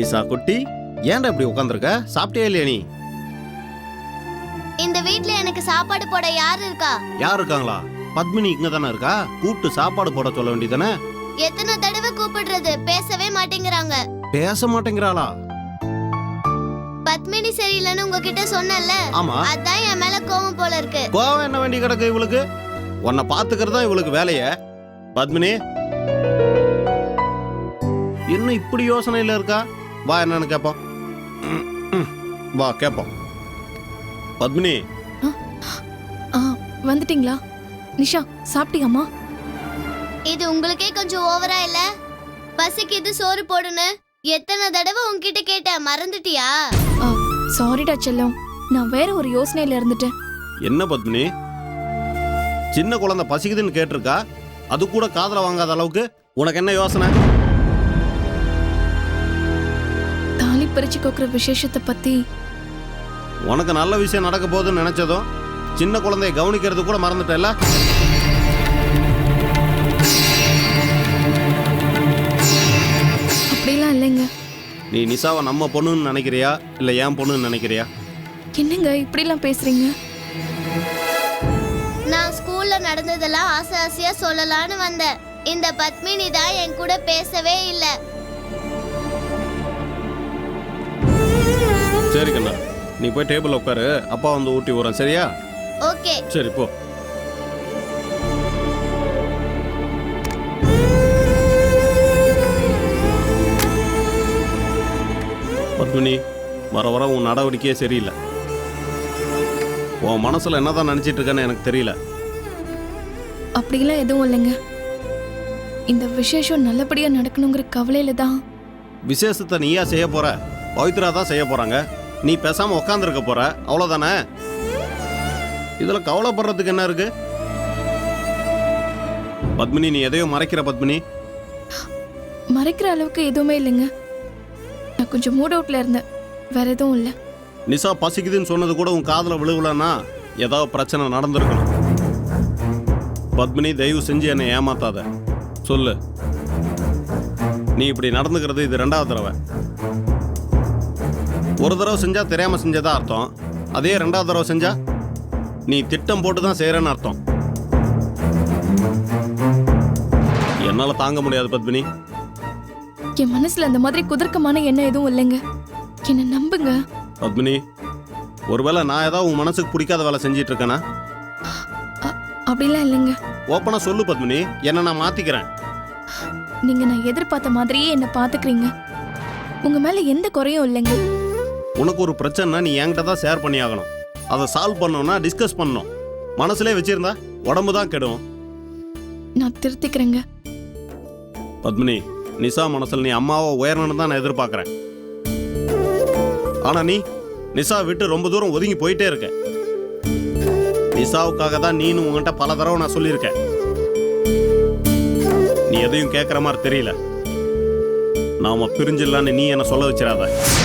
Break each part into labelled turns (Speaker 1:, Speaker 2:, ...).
Speaker 1: நிசா குட்டி, ஏன்டா இப்படி உட்காந்துருக்க? சாப்பிட்டே இல்லையா நீ?
Speaker 2: இந்த வீட்ல எனக்கு சாப்பாடு போட யார் இருக்கா?
Speaker 1: யார் இருக்காங்களா? பத்மினி இங்க தானே இருக்கா. கூப்பிட்டு சாப்பாடு போட சொல்ல வேண்டியதானே?
Speaker 2: எத்தனை தடவை கூப்பிடுறது? பேசவே மாட்டேங்கிறாங்க.
Speaker 1: பேச மாட்டேங்கிறாளா?
Speaker 2: பத்மினி சரியில்லைன்னு உங்ககிட்ட சொன்னேன்ல,
Speaker 1: ஆமா.
Speaker 2: அதான் என் மேல கோவம் போல இருக்கு.
Speaker 1: கோவம் என்ன வேண்டி கிடக்கு இவளுக்கு? உன்னை பாத்துக்கிறதா இவளுக்கு வேலைய. பத்மினி இன்னும் இப்படி யோசனையில இருக்கா? வா, என்னன்னு கேப்போம். வா கேப்போம். பத்மினி
Speaker 3: வந்துட்டீங்களா? நிஷா சாப்பிட்டியாமா?
Speaker 2: இது உங்களுக்கே கொஞ்சம் ஓவரா இல்ல? பசிக்குது, சோறு போடுன்னு எத்தனை தடவை உன்கிட்ட கேட்டேன், மறந்துட்டியா?
Speaker 3: சாரிடா செல்லம், நான் வேற ஒரு யோசனையில இருந்துட்டேன்.
Speaker 1: என்ன பத்மினி, சின்ன குழந்தை பசிக்குதுன்னு கேட்டிருக்கா, அது கூட காதுல வாங்காத அளவுக்கு உனக்கு என்ன யோசனை?
Speaker 3: தாலி பறிச்சு கோக்குற விசேஷத்தை பத்தி
Speaker 1: உனக்கு நல்ல விஷயம் நடக்க போகுதுன்னு நினைச்சதும் சின்ன குழந்தைய கவனிக்கிறது கூட மறந்துட்டல.
Speaker 3: அப்படிலாம் இல்லைங்க.
Speaker 1: நீ நிசாவை நம்ம பொண்ணுன்னு நினைக்கிறியா இல்ல என் பொண்ணுன்னு நினைக்கிறியா?
Speaker 3: என்னங்க இப்படிலாம் பேசுறீங்க?
Speaker 2: நான் ஸ்கூல்ல நடந்ததெல்லாம் ஆசை ஆசையா சொல்லலான்னு வந்தேன். இந்த பத்மினி தான் என் கூட பேசவே இல்ல.
Speaker 1: சரி கண்ணா, நீ போய் டேபிள் உட்காரு, அப்பா வந்து ஊட்டி விடுறேன், சரியா?
Speaker 2: ஓகே.
Speaker 1: சரி போ. பத்மினி, வர வர உன் நடவடிக்கையே சரியில்லை. உன் மனசுல என்னதான் நினைச்சிட்டு இருக்கேன்னு எனக்கு தெரியல.
Speaker 3: அப்படிலாம் எதுவும் இல்லைங்க. இந்த விசேஷம் நல்லபடியா நடக்கணுங்கிற கவலையில தான்.
Speaker 1: விசேஷத்தை நீயா செய்ய போற? பவித்ரா தான் செய்ய போறாங்க. நீ பேசாம உட்காந்துருக்க போற, அவ்வளவுதானே? இதுல கவலைப்படுறதுக்கு என்ன இருக்கு? பத்மினி, நீ எதையும் மறைக்கிற. பத்மினி,
Speaker 3: மறைக்கிற அளவுக்கு எதுவுமே இல்லைங்க. நான் கொஞ்சம் மூட் அவுட்ல இருந்தேன், வேற எதுவும் இல்லை.
Speaker 1: நிசா பசிக்குதுன்னு சொன்னது கூட உன் காதுல விழுவலன்னா ஏதாவது பிரச்சனை நடந்திருக்கணும். பத்மினி, தயவு செஞ்சு என்னை ஏமாத்தாத. சொல்லு, நீ இப்படி நடந்துக்கிறது இது 2வது தடவை. ஒரு தடவை செஞ்சா தெரியாம செஞ்சதா அர்த்தம். அதே 2வது தடவை செஞ்சா நீ திட்டம் போட்டு தான் செய்யறன்னு அர்த்தம். என்னால தாங்க முடியாது பத்மினி.
Speaker 3: என் மனசுல அந்த மாதிரி குதர்க்கமான எண்ணம் எதுவும் இல்லைங்க, என்ன நம்புங்க.
Speaker 1: பத்மினி, ஒருவேளை நான் ஏதாவது உன் மனசுக்கு பிடிக்காத வேலை செஞ்சிட்டு இருக்கேனா?
Speaker 3: அப்படிலாம் இல்லைங்க.
Speaker 1: ஓப்பனா சொல்லு பத்மினி, என்ன நான் மாத்திக்கிறேன்.
Speaker 3: நீங்க நான் எதிர்பார்த்த மாதிரியே என்ன பாத்துக்கிறீங்க. உங்க மேல எந்த குறையும் இல்லைங்க.
Speaker 1: உனக்கு ஒரு பிரச்சனைனா நீ என்கிட்ட தான் ஷேர் பண்ணி ஆகணும். அதை சால்வ் பண்ணணும்னா டிஸ்கஸ் பண்ணணும். மனசுலே வச்சிருந்தா உடம்பு தான் கெடும்.
Speaker 3: நான் திருத்திக்கிறேங்க.
Speaker 1: பத்மினி, நிசா மனசுல நீ அம்மாவை உயரணும்னு தான் நான் எதிர்பார்க்கறேன். ஆனா நீ நிசா விட்டு ரொம்ப தூரம் ஒதுங்கி போயிட்டே இருக்க. நிசாவுக்காக தான் நீனு உங்ககிட்ட பல தடவை நான் சொல்லியிருக்கேன். நீ எதையும் கேட்கற மாதிரி தெரியல. நாம பிரிஞ்சிடலான்னு நீ என்ன சொல்ல வச்சிடாத.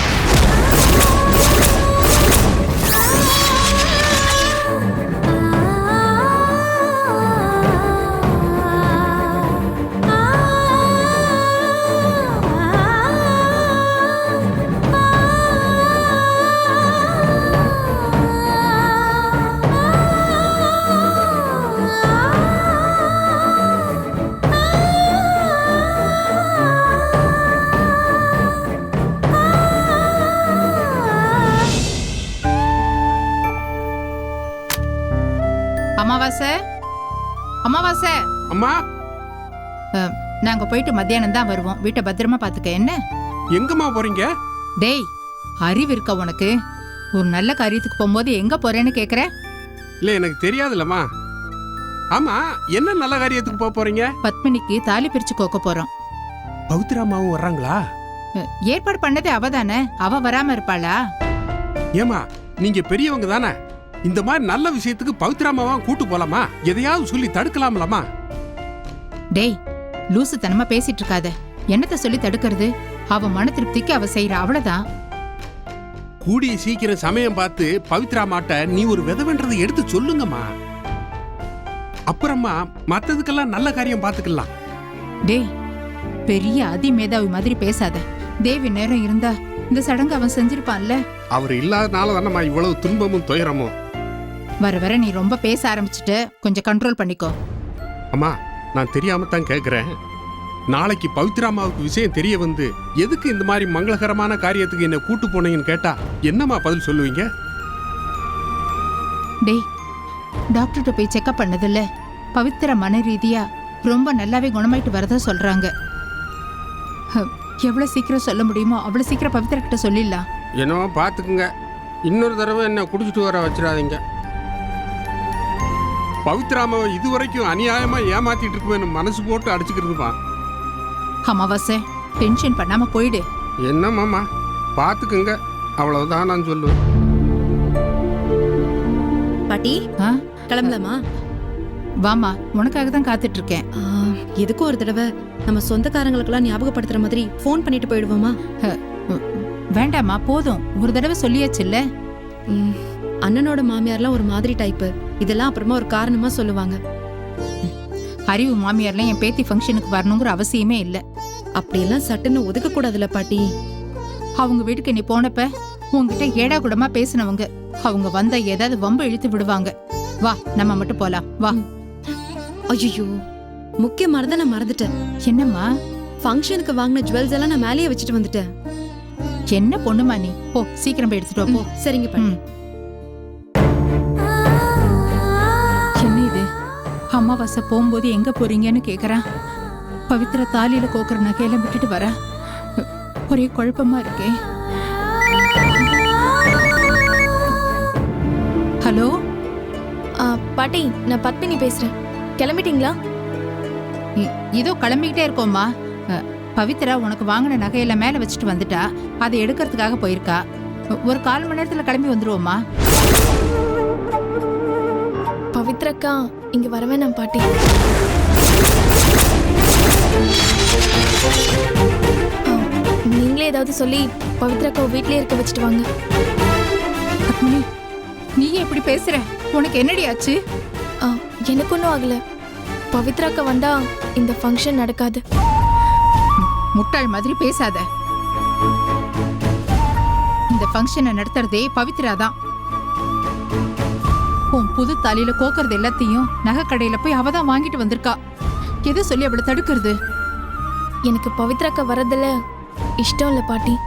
Speaker 4: அமாவாசை, அமாவாசை.
Speaker 5: அம்மா,
Speaker 4: நாங்க போயிட்டு மத்தியானம் தான் வருவோம். வீட்டை பத்திரமா பாத்துக்க. என்ன?
Speaker 5: எங்கம்மா போறீங்க?
Speaker 4: டேய், அறிவு இருக்க உனக்கு? ஒரு நல்ல காரியத்துக்கு போகும்போது எங்க போறேன்னு கேக்குற?
Speaker 5: இல்ல, எனக்கு தெரியாதுல்லம்மா. ஆமா, என்ன நல்ல காரியத்துக்கு போக போறீங்க?
Speaker 4: பத்மினிக்கு தாலி பிரிச்சு கோக்க போறோம்.
Speaker 5: பவித்ராமாவும் வர்றாங்களா?
Speaker 4: ஏற்பாடு பண்ணதே அவ தானே, அவ வராம இருப்பாளா?
Speaker 5: ஏமா, நீங்க பெரியவங்க தானே. இந்த மாதிரி நல்ல விஷயத்துக்கு பவித்ராமாவா கூட்டு போலாமா? எதையாவது சொல்லி தடுக்கலாம்லமா?
Speaker 4: டேய், லூசு தனமா பேசிட்டு இருக்காத. என்னத்த சொல்லி தடுக்கிறது? அவ மன திருப்திக்கு அவ செய்யற, அவ்வளவுதான்.
Speaker 5: கூடிய சீக்கிரம் சமயம் பார்த்து பவித்ராமாட்ட நீ ஒரு விதவன்றதை எடுத்து சொல்லுங்கம்மா. அப்புறமா மத்ததுக்கெல்லாம் நல்ல காரியம் பார்த்துக்கலாம்.
Speaker 4: டேய், பெரிய அதிமேதாவி மாதிரி பேசாத. தேவி நேரம் இருந்தா இந்த சடங்கு அவன் செஞ்சிருப்பான்ல.
Speaker 5: அவர் இல்லாதனால தானம்மா இவ்வளவு துன்பமும் துயரமும்.
Speaker 4: வர வர நீ ரொம்ப பேச ஆரம்பிச்சுட்ட, கொஞ்சம் கண்ட்ரோல் பண்ணிக்கோ.
Speaker 5: அம்மா, நான் தெரியாம தான் கேட்கிறேன். நாளைக்கு பவித்ராமாவுக்கு விஷயம் தெரிய வந்து எதுக்கு இந்த மாதிரி மங்களகரமான காரியத்துக்கு என்ன கூட்டு போனீங்கன்னு கேட்டா என்னம்மா பதில் சொல்லுவீங்க?
Speaker 4: டேய், டாக்டர்கிட்ட போய் செக்அப் பண்ணதில்ல, பவித்ரா மன ரீதியா ரொம்ப நல்லாவே குணமாயிட்டு வரதா சொல்றாங்க. எவ்வளவு சீக்கிரம் சொல்ல முடியுமோ அவ்வளவு சீக்கிரம் பவித்ரா கிட்ட சொல்லிடலாம்.
Speaker 5: என்னவோ பார்த்துக்குங்க, இன்னொரு தடவை என்ன குடிச்சிட்டு வர வச்சிடாதீங்க. பவித்ராமாவை இதுவரைக்கும் அநியாயமா ஏமாத்திட்டு இருக்குவேன்னு மனசு போட்டு அடிச்சுக்கிறதுப்பா.
Speaker 4: அமாவாசை, டென்ஷன் பண்ணாம போயிடு.
Speaker 5: என்னம்மாம்மா, பார்த்துக்குங்க, அவ்வளவுதான் நான் சொல்லுவேன்.
Speaker 6: பாட்டி
Speaker 4: ஆ?
Speaker 6: கிளம்பலாமா?
Speaker 4: வாமா, உனக்காக தான் காத்துட்டு இருக்கேன்.
Speaker 6: எதுக்கும் ஒரு தடவை நம்ம சொந்தக்காரங்களுக்கெல்லாம் ஞாபகப்படுத்துற மாதிரி ஃபோன் பண்ணிட்டு போயிடுவோமா?
Speaker 4: வேண்டாமா, போதும், ஒரு தடவை சொல்லியாச்சுல்ல.
Speaker 6: அண்ணனோட மாமியார்லாம் ஒரு மாதிரி டைப்பு. இதெல்லாம் அப்புறமா ஒரு காரணமா சொல்லுவாங்க.
Speaker 4: அறிவு மாமியார்லாம் என் பேத்தி ஃபங்க்ஷனுக்கு வரணுங்கிற அவசியமே இல்லை.
Speaker 6: அப்படியெல்லாம் சட்டுன்னு ஒதுக்க கூடாதுல பாட்டி.
Speaker 4: அவங்க வீட்டுக்கு நீ போனப்ப உன்கிட்ட ஏடா கூடமா பேசினவங்க, அவங்க வந்தா ஏதாவது வம்பு இழுத்து விடுவாங்க. வா, நம்ம மட்டும் போலாம், வா.
Speaker 6: ஐயோ, முக்கியமானதை நான் மறந்துட்டேன்.
Speaker 4: என்னம்மா?
Speaker 6: ஃபங்க்ஷனுக்கு வாங்கின ஜுவல்ஸ் எல்லாம் நான் மேலேயே வச்சுட்டு வந்துட்டேன்.
Speaker 4: என்ன பொண்ணுமா நீ, போ சீக்கிரம் போய் எடுத்துட்டு வா, போ.
Speaker 6: சரிங்க பாட்டி.
Speaker 4: என்ன இது, அமாவாசை போகும்போது எங்க போறீங்கன்னு கேக்குறான். பவித்ரா தாலியில கோக்குற நகையெல்லாம் விட்டுட்டு வர, ஒரே குழப்பமா இருக்கே. ஹலோ,
Speaker 3: பாட்டி, நான் பத்மினி பேசுறேன். கிளம்பிட்டீங்களா?
Speaker 4: இதோ கிளம்பிக்கிட்டே இருக்கோம்மா. பவித்ரா உனக்கு வாங்கின நகையெல்லாம் மேல வச்சுட்டு வந்துட்டா, அதை எடுக்கிறதுக்காக போயிருக்கா. ஒரு 1/4 மணி நேரத்துல கிளம்பி வந்துருவோம்மா.
Speaker 3: பவித்ரக்கா இங்க வரவே நான் பாட்டி. நீங்களே ஏதாவது சொல்லி பவித்ரக்கா வீட்லயே இருக்க வச்சுட்டு வாங்க.
Speaker 4: பத்மினி, நீ எப்படி பேசுற? உனக்கு என்னடி ஆச்சு?
Speaker 3: எனக்கு ஒன்றும் ஆகல. பவித்ராக்கா வந்தா இந்த ஃபங்க்ஷன் நடக்காது.
Speaker 4: முட்டாள் மாதிரி பேசாத. இந்த ஃபங்க்ஷனை நடத்துறதே பவித்ரா தான். உன் புது தாலியில கோக்கறது எல்லாத்தையும் நகை கடையில போய் அவ தான் வாங்கிட்டு வந்திருக்கா. எதை சொல்லி அவளை தடுக்கிறது?
Speaker 3: எனக்கு பவித்ராக்கா வர்றதுல இஷ்டம் இல்லை பாட்டி.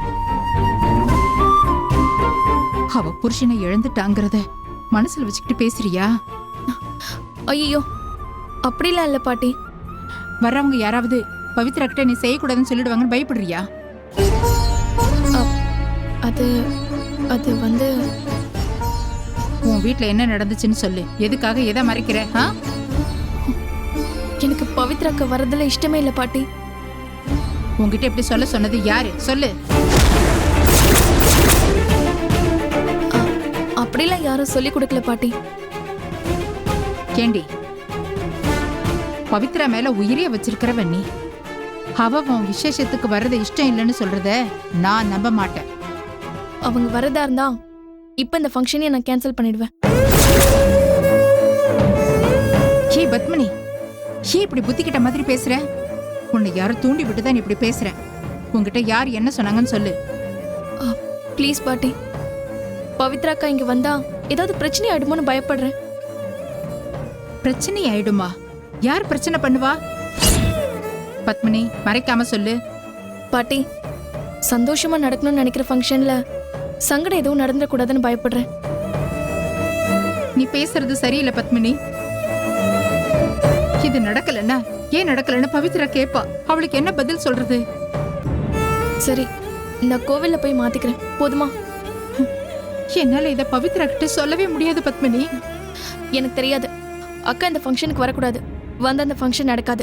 Speaker 4: அவ புருஷனை இழந்துட்டாங்கிறத மனசுல வச்சுக்கிட்டு பேசுறியா?
Speaker 3: ஐயோ, அப்படிலாம் இல்லை பாட்டி.
Speaker 4: வர்றவங்க யாராவது பவித்ரா கிட்ட நீ செய்யக்கூடாதுன்னு சொல்லிடுவாங்கன்னு பயப்படுறியா?
Speaker 3: அது அது வந்து
Speaker 4: உன் வீட்டுல என்ன நடந்துச்சுன்னு சொல்லு. எதுக்காக எதை மறைக்கிற?
Speaker 3: எனக்கு பவித்ராக்கா வர்றதுல இஷ்டமே இல்லை பாட்டி.
Speaker 4: உன்கிட்ட இப்படி சொல்ல சொன்னது யாரு? சொல்லு.
Speaker 3: அப்படிலாம் யாரும் சொல்லி கொடுக்கல பாட்டி.
Speaker 4: கேண்டி, பவித்ரா மேல உயிரிய வச்சிருக்கிறவன் நீ. அவ உன் விசேஷத்துக்கு வர்றது இஷ்டம் இல்லைன்னு சொல்றத நான் நம்ப மாட்டேன்.
Speaker 3: அவங்க வரதா இருந்தா இப்ப இந்த ஃபங்க்ஷனையே நான் கேன்சல் பண்ணிடுவேன்.
Speaker 4: ஹே பத்மினி, ஹே இப்படி புத்திக்கிட்ட மாதிரி பேசுற? உன்னை யாரும் தூண்டி விட்டுதான் நீ இப்படி பேசுற. உன்கிட்ட யார் என்ன சொன்னாங்கன்னு சொல்லு.
Speaker 3: ப்ளீஸ் பாட்டி, பவித்ராக்கா இங்க வந்தா ஏதாவது பிரச்சனை ஆயிடுமோன்னு பயப்படுறேன்.
Speaker 4: பிரச்சனை ஆயிடுமா? யார் பிரச்சனை பண்ணுவா? பத்மினி, மறைக்காம சொல்லு.
Speaker 3: பாட்டி, சந்தோஷமா நடக்கணும்னு நினைக்கிற ஃபங்க்ஷன்ல சங்கடம் எதுவும் நடந்துடக்கூடாதுன்னு பயப்படுறேன்.
Speaker 4: நீ பேசுறது சரியில்லை பத்மினி. இது நடக்கலன்னா ஏன் நடக்கலன்னு பவித்ரா கேப்பா. அவளுக்கு என்ன பதில் சொல்றது?
Speaker 3: சரி, நான் கோவில்ல போய் மாத்திக்கிறேன், போதுமா?
Speaker 4: என்னால இத பவித்ரா கிட்ட சொல்லவே முடியாது பத்மினி.
Speaker 3: எனக்கு தெரியாது. அக்கா இந்த ஃபங்க்ஷனுக்கு வரக்கூடாது. வந்து அந்த ஃபங்க்ஷன் நடக்காது.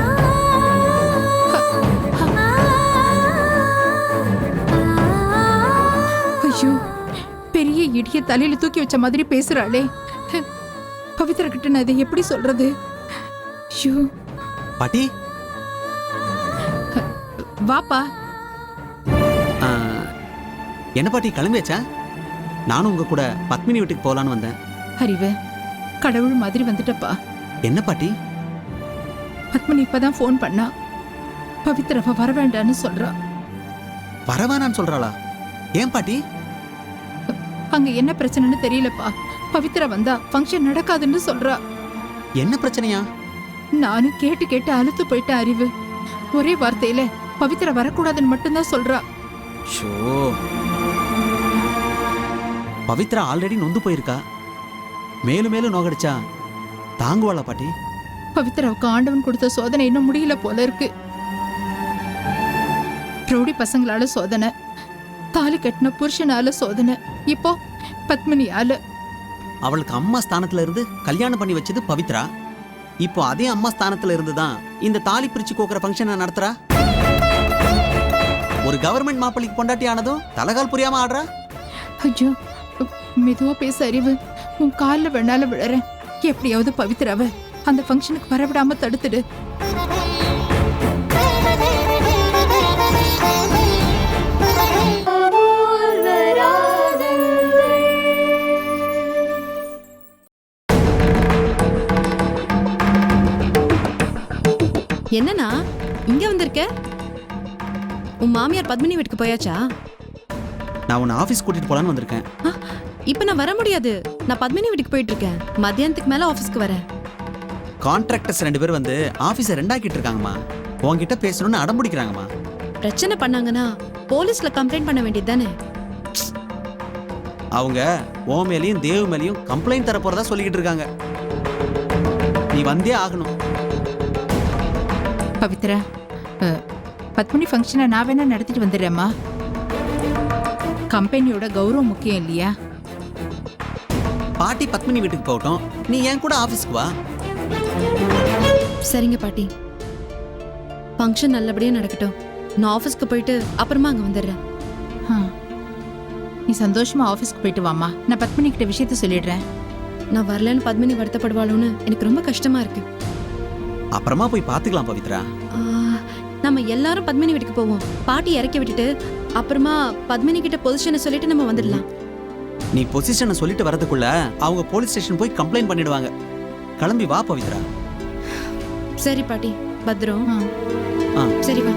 Speaker 4: ஐயோ, பெரிய இடிய தலையில தூக்கி வச்ச மாதிரி பேசுறாளே. பவித்ரா கிட்ட நான் இதை எப்படி சொல்றது? ஐயோ.
Speaker 7: பாட்டி,
Speaker 4: வாப்பா.
Speaker 7: என்ன பாட்டி கிளம்பியாச்சா? நானும் உங்க கூட பத்மினி வீட்டுக்கு போலான்னு வந்தேன்.
Speaker 4: அறிவு, கடவுள் மாதிரி வந்துட்டப்பா.
Speaker 7: என்ன பாட்டி?
Speaker 4: பத்மினி இப்பதான் ஃபோன் பண்ணா. பவித்ராவை வர வேண்டான்னு சொல்றா.
Speaker 7: வரவேணான்னு சொல்றாளா? ஏன் பாட்டி?
Speaker 4: அங்க என்ன பிரச்சனைன்னு தெரியலப்பா. பவித்ரா வந்தா ஃபங்க்ஷன் நடக்காதுன்னு சொல்றா.
Speaker 7: என்ன பிரச்சனையா?
Speaker 4: நானும் கேட்டு கேட்டு அழுத்து போயிட்டேன் அறிவு. ஒரே வார்த்தையில பவித்ரா வரக்கூடாதுன்னு மட்டும்தான் சொல்றா.
Speaker 7: ஷோ, பவித்ரா ஆல்ரெடி நொந்து போயிருக்கா. மேலும் மேலும் நோகடிச்சா தாங்குவாளா பாட்டி?
Speaker 4: பவித்ராவுக்கு ஆண்டவன் கொடுத்த சோதனை இன்னும் முடியல போல இருக்கு. ரவுடி பசங்களால சோதனை, தாலி கட்டின புருஷனால சோதனை, இப்போ பத்மினியால.
Speaker 7: அவளுக்கு அம்மா ஸ்தானத்துல இருந்து கல்யாணம் பண்ணி வச்சது பவித்ரா. இப்போ அதே அம்மா ஸ்தானத்துல இருந்து தான் இந்த தாலி பிரிச்சு கோக்குற ஃபங்க்ஷனை நடத்துறா. ஒரு கவர்மெண்ட் மாப்பிள்ளைக்கு பொண்டாட்டி ஆனதும் தலகால் புரியாம ஆடுறா.
Speaker 4: ஐயோ, மெதுவா பேச அறிவு. உன் காலில் வேணாலும் விழறேன். எப்படியாவது பவித்ராவை அந்த ஃபங்க்ஷனுக்கு வரவிடாம தடுத்துடு.
Speaker 6: என்னண்ணா இங்க வந்திருக்க? உன் மாமியார் பத்மினி வீட்டுக்கு போயாச்சா?
Speaker 7: நான் உன்னை ஆஃபீஸ் கூட்டிட்டு போலான்னு வந்திருக்கேன்.
Speaker 6: இப்ப நான் வர முடியாது. நான் பத்மினி வீட்டுக்கு போயிட்டு இருக்கேன். மத்தியானத்துக்கு மேல ஆபீஸ்க்கு வரேன்.
Speaker 7: கான்ட்ராக்டர்ஸ் 2 பேர் வந்து ஆஃபீஸை ரெண்டாக்கிட்டு இருக்காங்கம்மா. உன்கிட்ட பேசணும்னு அடம்பிடிக்கிறாங்கம்மா.
Speaker 6: பிரச்சனை பண்ணாங்கன்னா போலீஸ்ல கம்ப்ளைண்ட் பண்ண வேண்டியது தானே?
Speaker 7: அவங்க உன் மேலேயும் தேவ் மேலேயும் கம்ப்ளைண்ட் தர போறதா சொல்லிக்கிட்டு இருக்காங்க. நீ வந்தே ஆகணும்.
Speaker 4: பவித்ரா, பத்மினி ஃபங்க்ஷனை நான் வேணா நடத்திட்டு வந்துடுறேம்மா. கம்பெனியோட கௌரவம் முக்கியம் இல்லையா?
Speaker 7: பாட்டி பத்மினி வீட்டுக்கு போகட்டும், நீ என் கூட ஆஃபீஸ்க்கு வா.
Speaker 6: சரிங்க பாட்டி, ஃபங்க்ஷன் நல்லபடியா நடக்கட்டும். நான் ஆபீஸ்க்கு போயிட்டு அப்புறமா அங்க வந்துடுறேன்.
Speaker 4: ஆ, நீ சந்தோஷமா ஆஃபீஸ்க்கு போயிட்டு வாம்மா. நான் பத்மினி கிட்ட விஷயத்த சொல்லிடுறேன்.
Speaker 6: நான் வரலன்னு பத்மினி வருத்தப்படுவாளோன்னு எனக்கு ரொம்ப கஷ்டமா இருக்கு.
Speaker 7: அப்புறமா போய் பார்த்துக்கலாம் பவித்ரா.
Speaker 6: நம்ம எல்லாரும் பத்மினி வீட்டுக்கு போவோம். பாட்டி இறக்கி விட்டுட்டு அப்புறமா பத்மினி கிட்ட பொசிஷனை சொல்லிட்டு நம்ம வந்துடலாம்.
Speaker 7: நீ பொசிஷனை சொல்லிட்டு வரதுக்குள்ள அவங்க போலீஸ் ஸ்டேஷன் போய் கம்ப்ளைண்ட் பண்ணிடுவாங்க. கிளம்பி வா பவித்ரா.
Speaker 6: சரி பாட்டி, பத்ரம்.
Speaker 7: ஆ.
Speaker 6: சரி வா.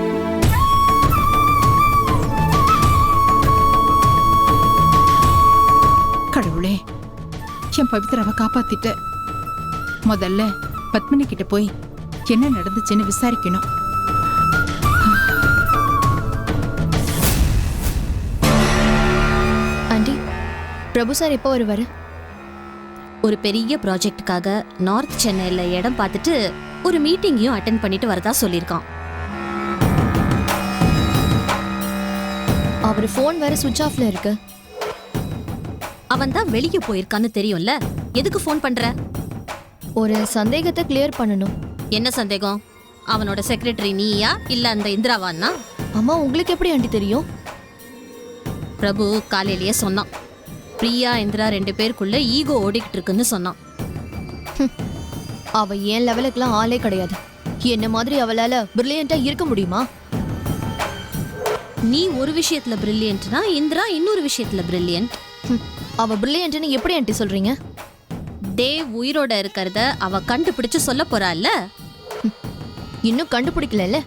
Speaker 4: கடவுளே, என் பவித்ராவை காப்பாத்திட்ட. முதல்ல பத்மினி கிட்ட போய் என்ன நடந்துச்சுன்னு விசாரிக்கணும்.
Speaker 3: ஆண்டி, பிரபு சார் எப்போ வருவாரு?
Speaker 8: ஒரு பெரிய ப்ராஜெக்டுக்காக நார்த் சென்னையில் இடம் பார்த்துட்டு ஒரு மீட்டிங்கையும் அட்டென்ட் பண்ணிட்டு வரதா சொல்லியிருக்கான்.
Speaker 3: அவர் ஃபோன் வேற சுவிட்ச் ஆஃப்ல இருக்கு.
Speaker 8: அவன் தான் வெளியே போயிருக்கான்னு தெரியும்ல, எதுக்கு ஃபோன் பண்ற?
Speaker 3: ஒரு சந்தேகத்தை கிளியர் பண்ணணும்.
Speaker 8: என்ன சந்தேகம்? அவனோட செக்ரட்டரி நீயா இல்ல அந்த இந்திராவான்னா?
Speaker 3: அம்மா, உங்களுக்கு எப்படி ஆண்டி தெரியும்?
Speaker 8: பிரபு காலையிலேயே சொன்னான். பிரியா இந்திரா 2 பேருக்குள்ள ஈகோ ஓடிக்கிட்டு இருக்குன்னு சொன்னான்.
Speaker 3: அவ ஏன் லெவலுக்குலாம் ஆளே கிடையாது. என்ன மாதிரி அவளால பிரில்லியண்டா இருக்க முடியுமா?
Speaker 8: நீ ஒரு விஷயத்துல பிரில்லியன்ட்னா இந்திரா இன்னொரு விஷயத்துல பிரில்லியன்ட்.
Speaker 3: அவ பிரில்லியன்ட்னு எப்படி ஆண்டி சொல்றீங்க?
Speaker 8: தேவ் உயிரோட இருக்கிறத அவ கண்டுபிடிச்சு சொல்ல போறாள்ல.
Speaker 3: இன்னும் கண்டுபிடிக்கல.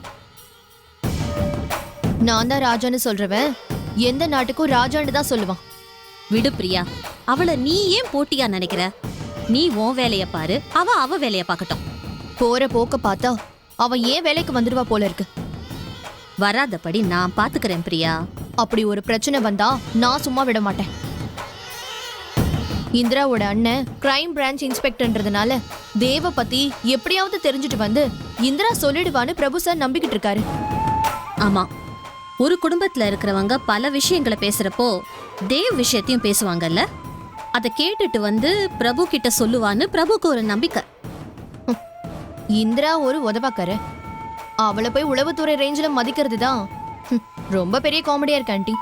Speaker 3: நான் தான் ராஜான்னு சொல்றவன் எந்த நாட்டுக்கும் ராஜான்னு தான் சொல்லுவான்.
Speaker 8: விடு பிரியா, அவளை நீ ஏன் போட்டியா நினைக்கிற? நீ உன் வேலைய பாரு, அவ வேலைய பார்க்கட்டும்.
Speaker 3: போற போக்க பார்த்தா அவ ஏன் வேலைக்கு வந்துடுவா போல இருக்கு.
Speaker 8: வராதபடி நான் பாத்துக்கிறேன் பிரியா.
Speaker 3: அப்படி ஒரு பிரச்சனை வந்தா நான் சும்மா விட மாட்டேன். இந்திராவோட அண்ணன் கிரைம் பிரான்ச் இன்ஸ்பெக்டர்ன்றதுனால தேவ பத்தி எப்படியாவது தெரிஞ்சுட்டு வந்து இந்திரா சொல்லிடுவான்னு பிரபு சார் நம்பிக்கிட்டு இருக்காரு.
Speaker 8: ஆமா, ஒரு குடும்பத்துல இருக்கிறவங்க பல விஷயங்களை பேசுறப்போ தேவ் விஷயத்தையும் பேசுவாங்கல்ல. அதை கேட்டுட்டு வந்து பிரபு கிட்ட சொல்லுவான்னு பிரபுக்கு ஒரு நம்பிக்கை.
Speaker 3: இந்திரா ஒரு உதவாக்கார. அவளை போய் உளவுத்துறை ரேஞ்சில் மதிக்கிறது தான் ரொம்ப பெரிய காமெடியா இருக்கு ஆண்டி.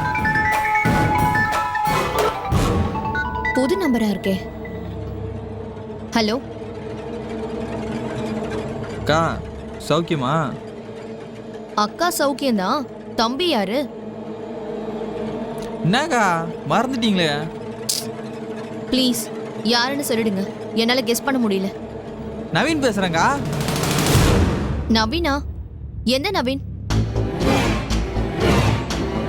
Speaker 3: புது நம்பரா இருக்கே. ஹலோ
Speaker 9: அக்கா, சௌக்கியமா?
Speaker 3: அக்கா சௌக்கியம்தான். தம்பி யாரு?
Speaker 9: என்னக்கா மறந்துட்டீங்களே?
Speaker 3: ப்ளீஸ் யாருன்னு சொல்லிடுங்க, என்னால கெஸ் பண்ண முடியல.
Speaker 9: நவீன் பேசுறேங்க்கா.
Speaker 3: நவீனா? எந்த நவீன்?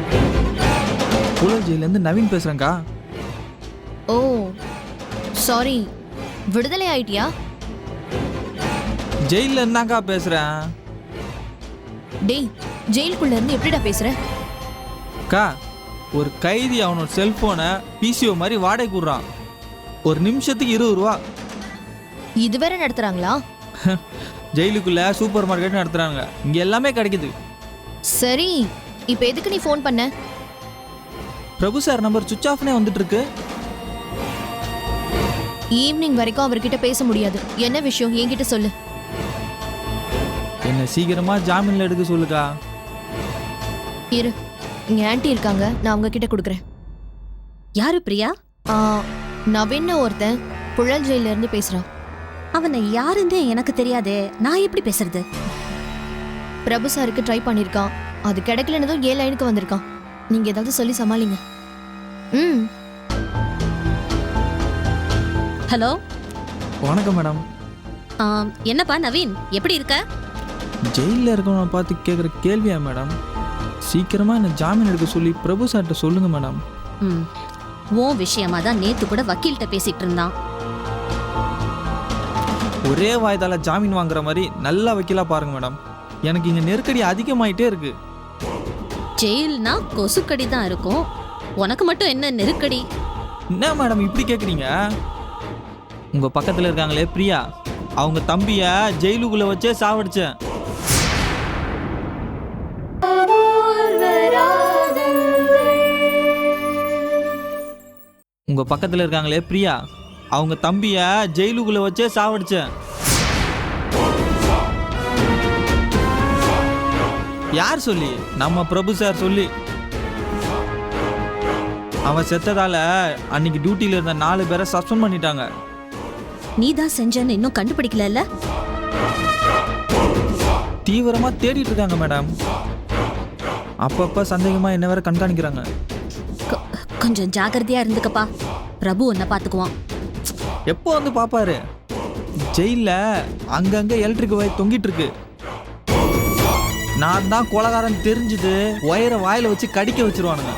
Speaker 9: புழல் ஜெயிலேருந்து நவீன் பேசுகிறேங்க்கா.
Speaker 3: ஓ சாரி, விடுதலை ஆயிட்டியா?
Speaker 9: ஜெயிலில் இருந்தாக்கா பேசுகிறேன்.
Speaker 3: டேய், ஜெயிலுக்குள்ள இருந்து எப்படிடா பேசுற?
Speaker 9: அக்கா, ஒரு கைதி அவனோட செல்ஃபோனை பிசிஓ மாதிரி வாடகை கூடுறான். ஒரு நிமிஷத்துக்கு 20 ரூபா.
Speaker 3: இது வேற நடத்துறாங்களா?
Speaker 9: ஜெயிலுக்குள்ள சூப்பர் மார்க்கெட் நடத்துறாங்க. இங்க எல்லாமே கிடைக்குது.
Speaker 3: சரி, இப்போ எதுக்கு நீ ஃபோன் பண்ண?
Speaker 9: பிரபு சார் நம்பர் சுவிட்ச் ஆஃப்னே வந்துட்டு இருக்கு.
Speaker 3: ஈவினிங் வரைக்கும் அவர்கிட்ட பேச முடியாது. என்ன விஷயம் என்கிட்ட சொல்லு.
Speaker 9: என்ன சீக்கிரமா ஜாமீன்ல எடுக்க சொல்லுக்கா.
Speaker 3: இரு, இங்க ஆன்ட்டி இருக்காங்க, நான் அவங்க கிட்ட கொடுக்குறேன்.
Speaker 8: யாரு பிரியா?
Speaker 3: நவீன்னு ஒருத்தன் புழல் ஜெயில இருந்து பேசுறான்.
Speaker 8: அவனை யாருன்னு எனக்கு தெரியாதே, நான் எப்படி பேசுறது?
Speaker 3: பிரபு சாருக்கு ட்ரை பண்ணிருக்கான், அது கிடைக்கலன்னதும் 7 லைனுக்கு வந்திருக்கான். நீங்க ஏதாவது சொல்லி சமாளிங்க. ம்.
Speaker 8: ஹலோ,
Speaker 9: வணக்கம் மேடம்.
Speaker 8: என்னப்பா நவீன், எப்படி இருக்க?
Speaker 9: ஜெயிலில் இருக்கவனை பார்த்து கேட்குற கேள்வியா மேடம்? சீக்கிரமா என்ன ஜாமீன் எடுக்க சொல்லி பிரபு சார்கிட்ட சொல்லுங்க மேடம்.
Speaker 8: ம், உன் விஷயமா தான் நேத்து கூட வக்கீல்கிட்ட பேசிட்டு இருந்தான்.
Speaker 9: ஒரே வாய்தால ஜாமீன் வாங்குற மாதிரி நல்ல வக்கீலா பாருங்க மேடம். எனக்கு இங்க நெருக்கடி அதிகமாயிட்டே இருக்கு.
Speaker 8: ஜெயில்னா கொசுக்கடி தான் இருக்கும், உனக்கு மட்டும் என்ன நெருக்கடி?
Speaker 9: என்ன மேடம் இப்படி கேட்குறீங்க? உங்க பக்கத்துல இருக்காங்களே பிரியா, அவங்க தம்பிய ஜெயிலுக்குள்ள வச்சே சாவடிச்சேன். உங்க பக்கத்துல இருக்காங்களே பிரியா, அவங்க தம்பிய ஜெயிலுக்குள்ள வச்சே சாவடிச்சேன். யார் சொல்லி? நம்ம பிரபு சார் சொல்லி. அவன் செத்ததால அன்னைக்கு டியூட்டியில இருந்த 4 பேரை சஸ்பெண்ட் பண்ணிட்டாங்க.
Speaker 8: நீ தான் செஞ்சன்னு இன்னும் கண்டுபிடிக்கல?
Speaker 9: தீவிரமா தேடிட்டு இருக்காங்க மேடம். அப்பப்ப சந்தேகமா என்ன வேற கண்காணிக்கிறாங்க.
Speaker 8: கொஞ்சம் ஜாக்கிரதையா இருந்துக்கப்பா, பிரபு உன்னை பாத்துக்குவான்.
Speaker 9: எப்போ வந்து பாப்பாரு? ஜெயில அங்கங்க எலக்ட்ரிக் வயர் தொங்கிட்டு இருக்கு. நான் தான் கொலகாரன் தெரிஞ்சது ஒயரை வாயில வச்சு கடிக்க வச்சிருவானுங்க.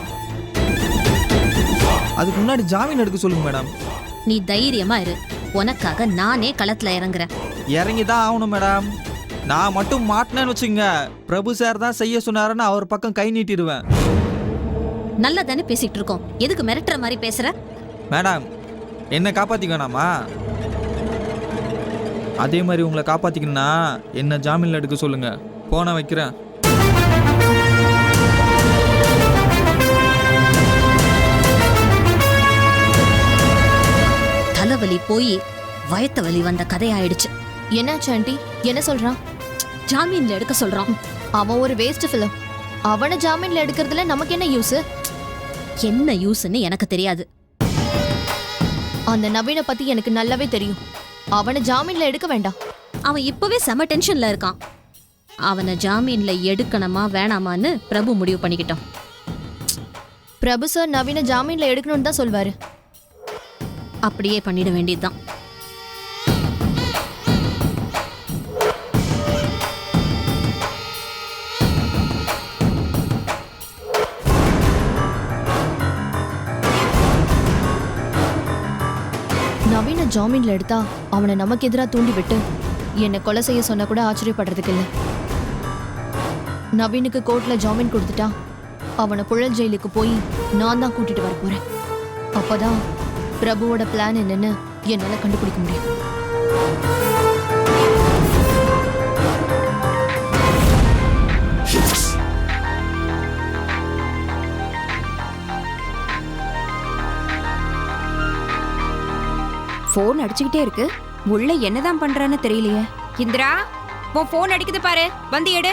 Speaker 9: அதுக்கு முன்னாடி ஜாமீன் எடுக்க சொல்லுங்க மேடம்.
Speaker 8: நீ தைரியமா இரு, உனக்காக நானே களத்துல இறங்குறேன்.
Speaker 9: இறங்கி தான் ஆகணும் மேடம். நான் மட்டும் மாட்டினேன்னு வச்சுங்க, பிரபு சார் தான் செய்ய சொன்னாருன்னு அவர் பக்கம் கை நீட்டிடுவேன்.
Speaker 8: நல்லா தானே பேசிட்டு இருக்கோம், எதுக்கு மிரட்டுற மாதிரி பேசுற?
Speaker 9: மேடம், என்ன காப்பாத்திக்க வேணாமா? அதே மாதிரி உங்களை காப்பாத்திக்கணும்னா என்ன ஜாமீன்ல எடுக்க சொல்லுங்க. போன வைக்கிறேன்.
Speaker 8: தலைவலி போய் வயத்த வலி வந்த கதையாயிடுச்சு.
Speaker 3: என்னாச்சு ஆண்டி? என்ன சொல்றான்?
Speaker 8: ஜாமீன்ல எடுக்க சொல்றான்.
Speaker 3: அவன் ஒரு வேஸ்ட் ஃபிலம். அவனை ஜாமீன்ல எடுக்கிறதுல நமக்கு என்ன யூஸ்?
Speaker 8: என்ன யூஸ்ன்னு எனக்கு தெரியாது.
Speaker 3: அந்த நவீனை பத்தி எனக்கு நல்லாவே தெரியும். அவனை ஜாமீன்ல எடுக்க வேண்டாம்.
Speaker 8: அவன் இப்பவே செம டென்ஷன்ல இருக்கான். அவனை ஜாமீன்ல எடுக்கணுமா வேணாமான்னு பிரபு முடிவு பண்ணிக்கிட்டான்.
Speaker 3: பிரபு சார் நவீனை ஜாமீன்ல எடுக்கணும்னு தான் சொல்வாரு.
Speaker 8: அப்படியே பண்ணிட வேண்டியதுதான்.
Speaker 3: நவீன ஜாமீன்ல எடுத்தா அவனை நமக்கு எதிராக தூண்டி விட்டு என்னை கொலை செய்ய சொன்ன கூட ஆச்சரியப்படுறதுக்கு இல்லை. நவீனுக்கு கோர்ட்ல ஜாமீன் கொடுத்துட்டா அவனை புழல் ஜெயிலுக்கு போய் நான் தான் கூட்டிட்டு வர போறேன். அப்பதான் பிரபுவோட பிளான் என்னன்னு என்னால கண்டுபிடிக்க முடியும்.
Speaker 10: போன் அடிச்சுக்கிட்டே இருக்கு, உள்ள என்னதான் பண்றான்னு தெரியலையே. இந்திரா, உன் போன் அடிக்குது பாரு, வந்து எடு.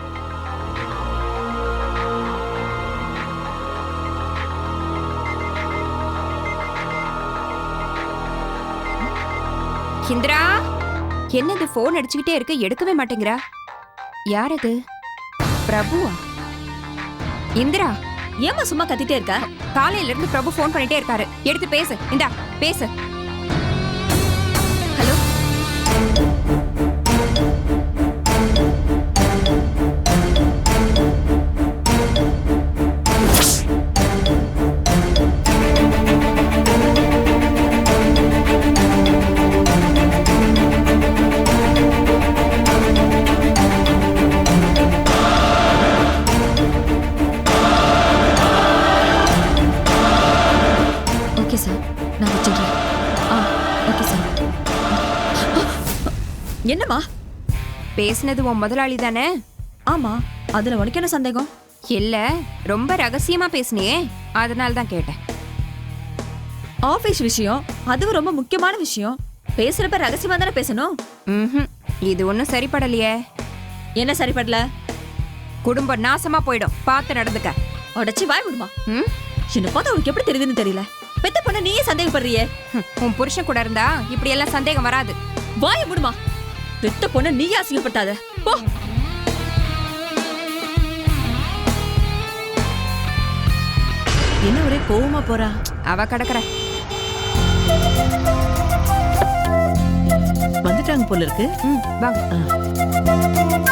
Speaker 10: இந்திரா, என்னது போன் அடிச்சுக்கிட்டே இருக்கு, எடுக்கவே மாட்டேங்கிறா. யார் அது? பிரபுவா? இந்திரா,
Speaker 8: ஏமா சும்மா கத்திட்டே இருக்க?
Speaker 10: காலையில இருந்து பிரபு போன் பண்ணிட்டே இருக்காரு, எடுத்து பேசு. இந்தா பேசு. ஹலோ,
Speaker 11: என்னம்மா?
Speaker 10: பேசுனது உன் முதலாளி தானே?
Speaker 11: ஆமா, அதுல உனக்கு என்ன சந்தேகம்?
Speaker 10: இல்ல, ரொம்ப ரகசியமா பேசுனியே, அதனால தான் கேட்டேன்.
Speaker 11: ஆபீஸ் விஷயம், அதுவும் ரொம்ப முக்கியமான விஷயம். பேசுறப்ப ரகசியமா தானே பேசணும்.
Speaker 10: ம்ஹும். இது ஒன்றும் சரிப்படலையே.
Speaker 11: என்ன சரிப்படல?
Speaker 10: குடும்பம் நாசமா போயிடும், பார்த்து நடந்துக்க.
Speaker 11: உடச்சி வாய் விடுமா?
Speaker 10: ம்?
Speaker 11: என்ன பார்த்தா உனக்கு எப்படி தெரியுதுன்னு தெரியல. பெத்த பொண்ண நீயே சந்தேகப்படுறியே.
Speaker 10: உன் புருஷன் கூட இருந்தா இப்படி எல்லாம் சந்தேகம் வராது.
Speaker 11: வாய விடுமா? பெத்த பொண்ண நீயே அசிங்கப்பட்டாத. போ. என்ன ஒரே கோவமா போறா?
Speaker 10: அவ கடக்குற.
Speaker 11: வந்துட்டாங்க போல இருக்கு.
Speaker 10: வாங்க.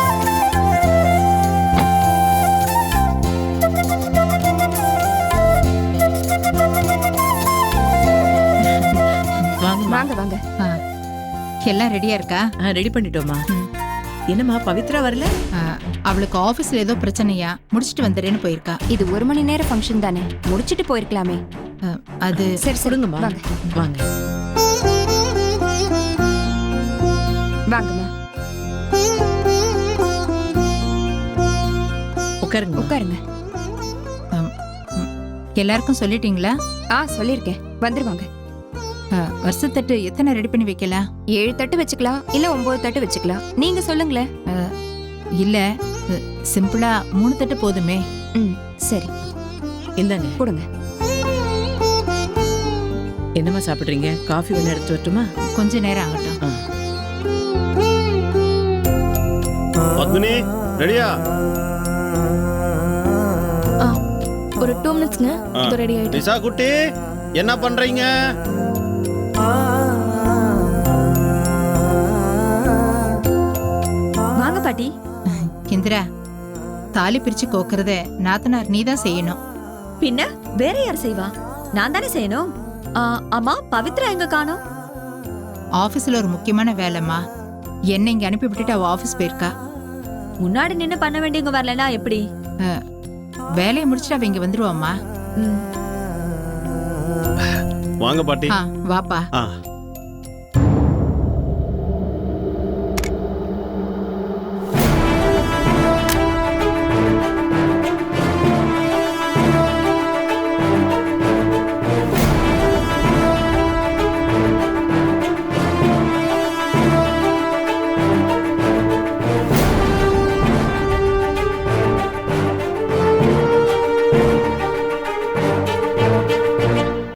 Speaker 10: வாங்க வாங்க.
Speaker 4: எல்லாம் ரெடியா இருக்கா?
Speaker 11: ரெடி பண்ணிட்டோமா? என்னம்மா பவித்ரா வரல?
Speaker 4: அவளுக்கு ஆபீஸ்ல ஏதோ பிரச்சனையா, முடிச்சிட்டு வந்துடுறேன்னு போயிருக்கா.
Speaker 10: இது 1 மணி நேர ஃபங்க்ஷன் தானே, முடிச்சிட்டு போயிருக்கலாமே.
Speaker 4: அது
Speaker 10: சரி
Speaker 11: கொடுங்கம்மா.
Speaker 10: வாங்க
Speaker 11: வாங்க.
Speaker 10: வாங்கம்மா,
Speaker 11: உட்காருங்க.
Speaker 10: உட்காருங்க.
Speaker 4: எல்லாருக்கும் சொல்லிட்டீங்களா?
Speaker 10: சொல்லியிருக்கேன், வந்துருவாங்க.
Speaker 4: வருஷத்தட்டு எத்தனை ரெடி பண்ணி வைக்கலாம்?
Speaker 10: 7 தட்டு வச்சுக்கலாம், இல்ல 9 தட்டு வச்சுக்கலாம். நீங்க சொல்லுங்களேன்.
Speaker 4: இல்ல, சிம்பிளா 3 தட்டு போதுமே.
Speaker 10: சரி,
Speaker 11: இந்தாங்க.
Speaker 10: கொடுங்க.
Speaker 11: என்னம்மா சாப்பிடுறீங்க? காஃபி வேணா எடுத்து வரட்டுமா?
Speaker 4: கொஞ்ச நேரம் ஆகட்டும்.
Speaker 1: பத்மினி ரெடியா?
Speaker 3: ஒரு 2 மினிட்ஸ்ங்க. இது ரெடி ஆயிடுச்சு.
Speaker 1: நிஷா குட்டி என்ன பண்றீங்க?
Speaker 11: வாங்க பாட்டி.
Speaker 4: இந்திரா, தாலி பிரிச்சு கோக்குறத நாத்தனார் நீதான் செய்யணும்.
Speaker 11: பின்ன வேற யார் செய்வா? நான் தானே செய்யணும். அம்மா, பவித்ரா எங்க காணோம்?
Speaker 4: ஆபீஸ்ல ஒரு முக்கியமான வேலைம்மா. என்ன இங்க அனுப்பி விட்டுட்டு அவ ஆபீஸ் போயிருக்கா.
Speaker 11: முன்னாடி நின்னு பண்ண வேண்டியவங்க வரலனா எப்படி?
Speaker 4: வேலையை முடிச்சுட்டு அவ இங்க வந்துருவாம்மா.
Speaker 1: வாங்க பாட்டி.
Speaker 4: வாப்பா.